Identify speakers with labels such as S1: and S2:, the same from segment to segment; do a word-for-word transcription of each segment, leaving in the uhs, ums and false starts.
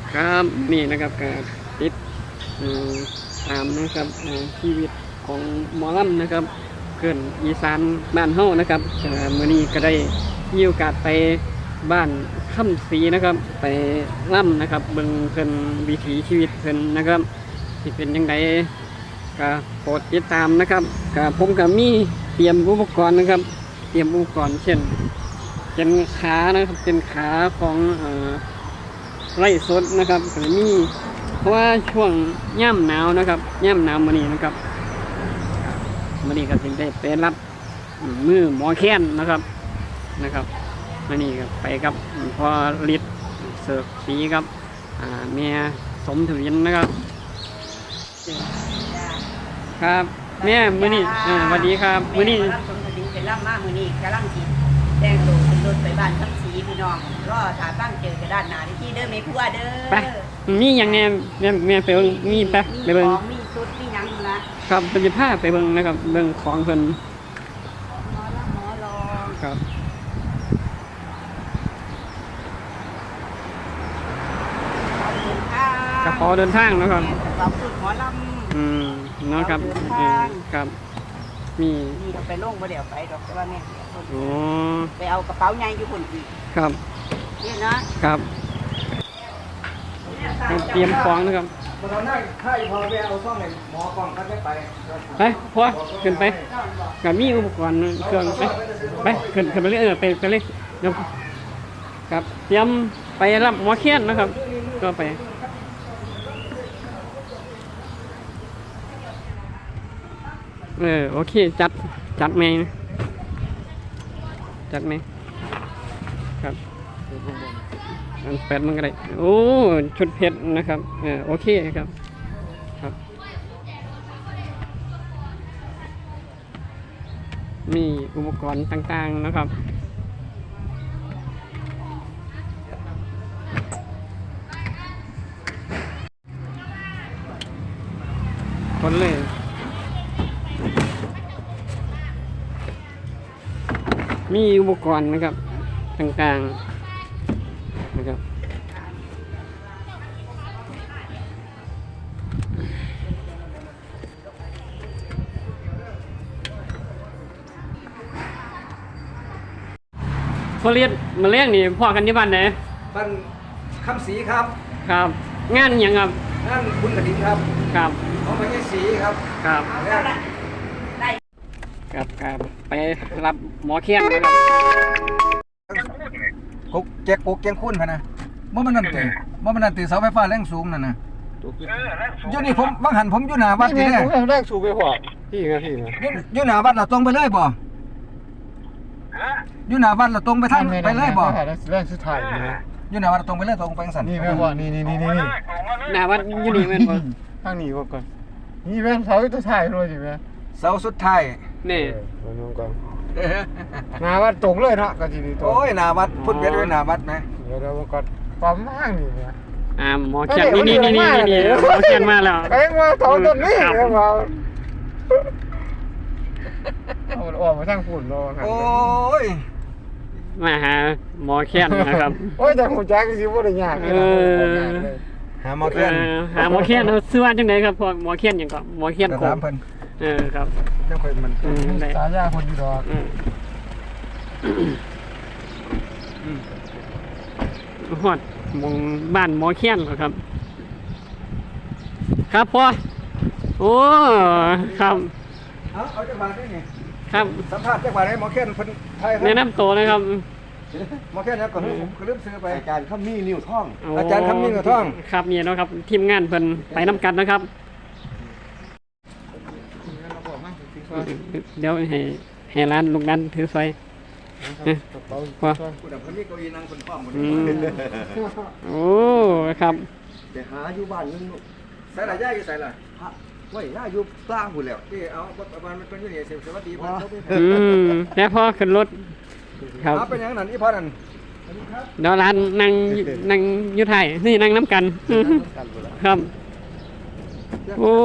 S1: ครับนี่นะครับการติดตามนะครับชีวิตของหมอลำนะครับเกินอีสานบ้านเฮานะครับมื้อนี้ก็ได้มีโอกาสไปบ้านค่ำศรีนะครับไปล่ำนะครับเบิ่งเพิ่นวิถีชีวิตเพิ่นนะครับที่เป็นยังไงก็โปรดติดตามนะครับก็ผมก็มีเตรียมอุปกรณ์นะครับเตรียมอุปกรณ์เช่นเป็นขานะครับเป็นขาของเอ่อไร่สดนะครับก็มีเพราะว่าช่วงย่ำหนาวนะครับย่ำหนาวมื้อนี้นะครับมื้อนี้ก็จึงได้ไปรับมือหมอแค้นนะครับนะครับมื้อนี้ก็ไปกับพ่อฤทธิ์เสิร์ฟสีครับอ่าแม่สมทวินนะครับครับแม่มื้อนี้อ่าสวัสดีครับมื้อนี้
S2: รับสมทวินเป็นล่ำมามื้อนี้กำลังสิแต่งตัวขึ้นรถไปบ้านทั้งสีพี่น้องรอถาตั้งเจอกันด้านหน้าที่เด้อแม่ครัวเด้อ
S1: ไปมีอย่างแน่แม่แม่ไปเบิ่งมีไปไปเบิ่ง
S2: มีชุดมีหยังนะครับ
S1: เป็นผ้าไปเบิ่งนะครับเบิ่งของเพิ่น
S2: หมอละหมอรอง
S1: ครับกระเป๋าเดินทางนะครับ
S2: กระเป๋าชุดหมอลำ
S1: อืมเนาะครับครับมี
S2: นี่เราไปลงบ่เดี๋ยวไปดอกแต่ว่าแม่
S1: โอ้
S2: ไปเอากระเป๋าใหญ่อยู่พุ่นอีก
S1: ครับ
S2: นี่นะครับ
S1: เตรียมของนะครับ
S3: ตอนนั้นถ้าพอไปเอาซ่อมในหมอกล่องก็ไม่ไป
S1: ไปพอขึ้นไปกับมีอุปกรณ์เครื่องไปไปขึ้นขึ้นไปเลยเออไปไปเลยเดี๋ยวครับเตรียมไปรับหมอแค้นนะครับก็ไปเออโอเคจัดจัดไหมจัดไหมครับอันแปดมันก็ได้โอ้ชุดเพชรนะครับเออโอเคครับครับมีอุปกรณ์ต่างๆนะครับคนเลยมีอุปกรณ์นะครับต่างๆนะครับพอเรียนมาเลี้ยงนี่พ่อกันที่บ้านไหน
S3: บ้านคำศรีครับ
S1: ครับงานยังครับ
S3: งานบุญกฐินครับ
S1: ครับ
S3: ของพระเยศรีครับ
S1: ครับครับครับไปรับหมอแค้นนะครับ
S3: กุ๊กแจกกุ๊กแจงคุ้นพะนะเมื่อมันนั่นตีเมื่อมันนั่นตีเสาไฟฟ้าแรงสูงนั่นนะอยู่นี่ผมบางหันผมอยู่หน้าวัดนี่แหละ
S4: แรงสูงไปพอพี่ไงพี่ไง
S3: อยู่หน้าวัดเราตรงไปเลยบ่อยู่หน้าวัดเราตรงไปทางไปเลยบ่
S4: แรงสุดท้ายนี่
S3: อยู่หน้าวัดตรงไปเลยตรงไปสั่น
S4: นี่แม่ว่านี่นี่นี่นี่
S1: หน้าวัดอยู่นี่แม่นบ่
S4: ทางนี้ก่อนนี่แม่เสาสุดท้ายเลยสิแม่
S3: เสาสุดท้าย
S1: นี่
S4: มาดูก่อนหน้าวัดตรงเลยเนาะก็ทีนี้ตรง
S3: โอ้ยหน้าวัดพุ่นเบ็ดไว้หน้าวัดไหม
S4: เดี๋ยวเราก่อนปั๊มห้างนี่เนี่ย
S1: อ่าหมอแค้นนี่นี่นี่นี่นี่หมอแค้นมาแล้ว
S4: เอ็งมาเสาต้นนี้มาเอาออกมาทางฝุ่นรอครับ
S3: โอ้ย
S1: มาหาหมอแค้นนะครับ
S4: โอ้ยแต่หัวใจก็สิบ่ได้ยากเอ
S1: อ
S3: หาหมอแค้น
S1: หาหมอแค้นซื้อว่าจังได๋ครับพวกหมอแค้นหยังก็หมอแค้นโคมเออครับ
S3: จังค่อยมัน
S4: สายาคนอยู่ดอก
S1: อืมฮอดมองบ้านหมอแค้นเหรอครับครับพ่อโอ้ครับ
S3: เอาเอาจังหวะได้ไง
S1: ครับ
S3: สัมภาษณ์จังหวะไหนหมอแค้นเพิ่นไทย
S1: แนะนำตัวนะครับ
S3: หมอแค้นเนี่ยก่อนผมก็ลืมซื้อไป
S4: อาจารย์คำมีนิ้วท่อง
S3: อาจารย์คำมีนิ้วท่อง
S1: ครับนี่เนาะครับทีมงานเพิ่นไปนำกันนะครับเดี๋ยวให้ให้ร้านลูกนั้นถือไฟพอโอ้ครับ
S4: จะหาอยู่บ้านนึง
S3: ใส่ละย่าอยู่ใส่ละ
S4: ไว้ย่าอยู่ปลาหุ่นแล้ว
S3: ที่เอาประมาณมันเป็นอยู่นี่เสียสวัสดีพ่อ
S1: อืมแล้วพ่อขึ้นรถ
S3: ครับเป็นอย่างนั้นอีพ่อนั่น
S1: เดี๋ยวร้านนั่งนั่งอยู่ไทยนี่นั่งน้ำกันครับโอ้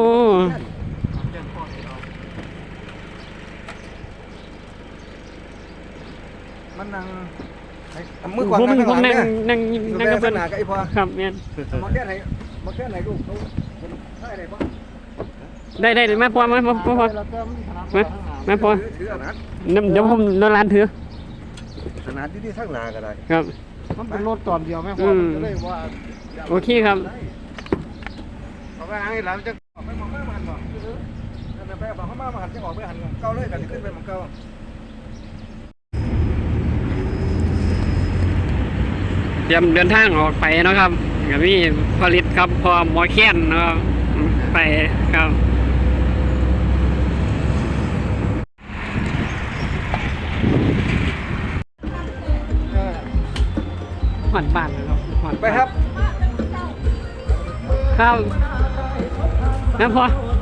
S3: มันนั่งมือกวาง
S1: ผม
S3: ข้าง
S1: ผ
S3: ห
S1: ม
S3: ลัง
S1: นั่ง
S3: เนี่ย
S1: นั่งนั่งกับ
S3: เพิ่
S1: เพิ่
S3: น
S1: น
S3: หน้ากับไอ้พ่อ
S1: ครับแม่น
S3: มาแค่ไหนมาแค่ไหนลูกเขาได้ได้บ่
S1: ได้ได้ได้มาพอมามาพอพอมามาพอ
S3: ถือขนาด
S1: น้ำเดี๋ยวผมนอนร้านถือ
S3: ขนาดที่ที่ทั้งหน้าก็ได้
S1: ครับ
S4: มันเป็นรถตอนเดียวแม่พ่อมันก็เลยว่า
S1: โอเคครับ
S4: เอาไปหาให้หลานจะ
S3: ไปมองมาหันบ่นั่นไปบอกเขามาหันจะออกไปหันเก่าเลยก็สิขึ้นไปมองเก่า
S1: เตรียมเดินทางออกไปเนาะครับกับพี่ผลิตครับพอหมอแค้นเนาะไปครับหอนบ้านนะครับหอน
S3: ไปครับ
S1: ครับครับพอ